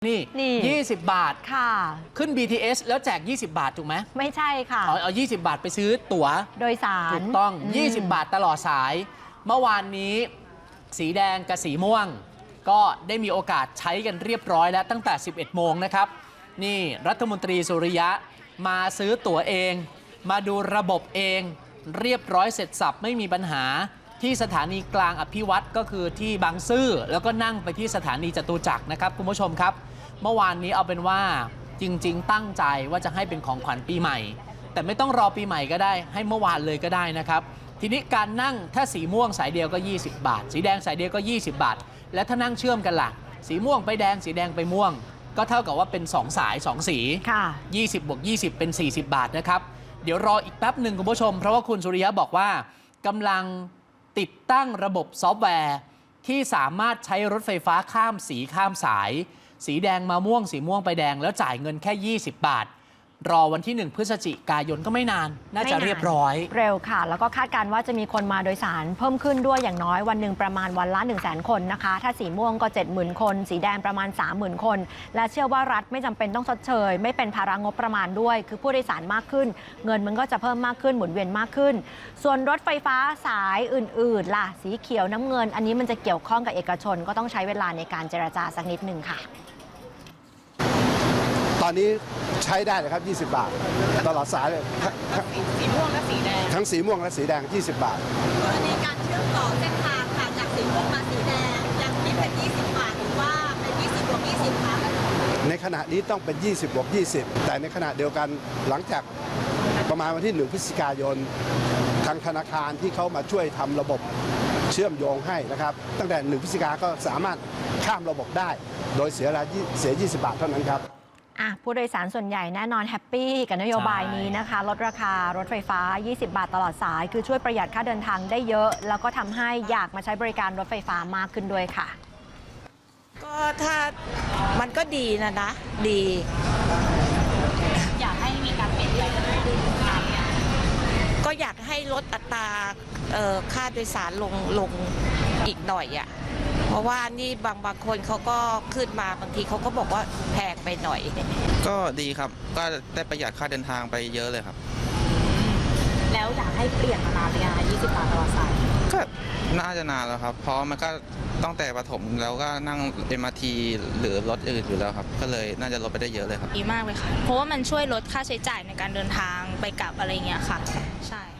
นี่20 บาทค่ะขึ้น BTS แล้วแจก20 บาทถูกไหมไม่ใช่ค่ะเอา20 บาทไปซื้อตั๋วโดยสารถูกต้อง20 บาทตลอดสายเมื่อวานนี้สีแดงกับสีม่วงก็ได้มีโอกาสใช้กันเรียบร้อยแล้วตั้งแต่ 11 โมงนะครับนี่รัฐมนตรีสุริยะมาซื้อตั๋วเองมาดูระบบเองเรียบร้อยเสร็จสับไม่มีปัญหาที่สถานีกลางอภิวัตรก็คือที่บางซื่อแล้วก็นั่งไปที่สถานีจตุจักรนะครับคุณผู้ชมครับเมื่อวานนี้เอาเป็นว่าจริงๆตั้งใจว่าจะให้เป็นของขวัญปีใหม่แต่ไม่ต้องรอปีใหม่ก็ได้ให้เมื่อวานเลยก็ได้นะครับทีนี้การนั่งถ้าสีม่วงสายเดียวก็20 บาทสีแดงสายเดียวก็20 บาทและถ้านั่งเชื่อมกันล่ะสีม่วงไปแดงสีแดงไปม่วงก็เท่ากับว่าเป็น2สาย2สี20บวก20เป็น40 บาทนะครับเดี๋ยวรออีกแป๊บหนึ่งคุณผู้ชมเพราะว่าคุณสุริยะบอกว่ากำลังติดตั้งระบบซอฟต์แวร์ที่สามารถใช้รถไฟฟ้าข้ามสีข้ามสายสีแดงมาม่วงสีม่วงไปแดงแล้วจ่ายเงินแค่20 บาทรอวันที่1 พฤศจิกายนก็ไม่นานน่าจะเรียบร้อยเร็วค่ะแล้วก็คาดการณ์ว่าจะมีคนมาโดยสารเพิ่มขึ้นด้วยอย่างน้อยวันหนึ่งประมาณวันละ 100,000 คนนะคะถ้าสีม่วงก็ 70,000 คนสีแดงประมาณ 30,000 คนและเชื่อว่ารัฐไม่จำเป็นต้องชดเชยไม่เป็นภาระงบประมาณด้วยคือผู้โดยสารมากขึ้นเงินมันก็จะเพิ่มมากขึ้นหมุนเวียนมากขึ้นส่วนรถไฟฟ้าสายอื่นๆล่ะสีเขียวน้ำเงินอันนี้มันจะเกี่ยวข้องกับเอกชนก็ต้องใช้เวลาในการเจรจาสักนิดนึงค่ะตอนนี้ใช้ได้เลยครับ20 บาทตลอดสายเลยสีม่วงและสีแดงทั้งสีม่วงและสีแดง20 บาทกรณีการเชื่อมต่อเส้นทางค่ะจากสีม่วงมาสีแดงยังคิดเป็น20 บาทหรือว่าเป็น20 บวก 20คะในขณะนี้ต้องเป็น20 บวก 20แต่ในขณะเดียวกันหลังจากประมาณวันที่1 พฤศจิกายนทางธนาคารที่เขามาช่วยทำระบบเชื่อมโยงให้นะครับตั้งแต่1 พฤศจิกายนก็สามารถข้ามระบบได้โดยเสีย20 บาทเท่านั้นครับผู้โดยสารส่วนใหญ่แน่นอนแฮปปี้กับนโยบายนี้นะคะลดราคารถไฟฟ้า20 บาทตลอดสายคือช่วยประหยัดค่าเดินทางได้เยอะแล้วก็ทำให้อยากมาใช้บริการรถไฟฟ้ามากขึ้นด้วยค่ะก็ถ้ามันก็ดีนะดีอยากให้มีการเปลี่ยนแปลงก็อยากให้ลดอัตราค่าโดยสารลงอีกหน่อยอ่ะเพราะว่านี่บางคนเขาก็ขึ้นมาบางทีเขาก็บอกว่าแพงไปหน่อยก็ดีครับก็ได้ประหยัดค่าเดินทางไปเยอะเลยครับแล้วอยากให้เปลี่ยนมานานหรือยัง20 บาทตลอดสายก็น่าจะนานแล้วครับเพราะมันก็ตั้งแต่ประถมแล้วก็นั่ง MRT หรือรถอื่นอยู่แล้วครับก็เลยน่าจะลดไปได้เยอะเลยครับดีมากเลยค่ะเพราะว่ามันช่วยลดค่าใช้จ่ายในการเดินทางไปกลับอะไรเงี้ยค่ะใช่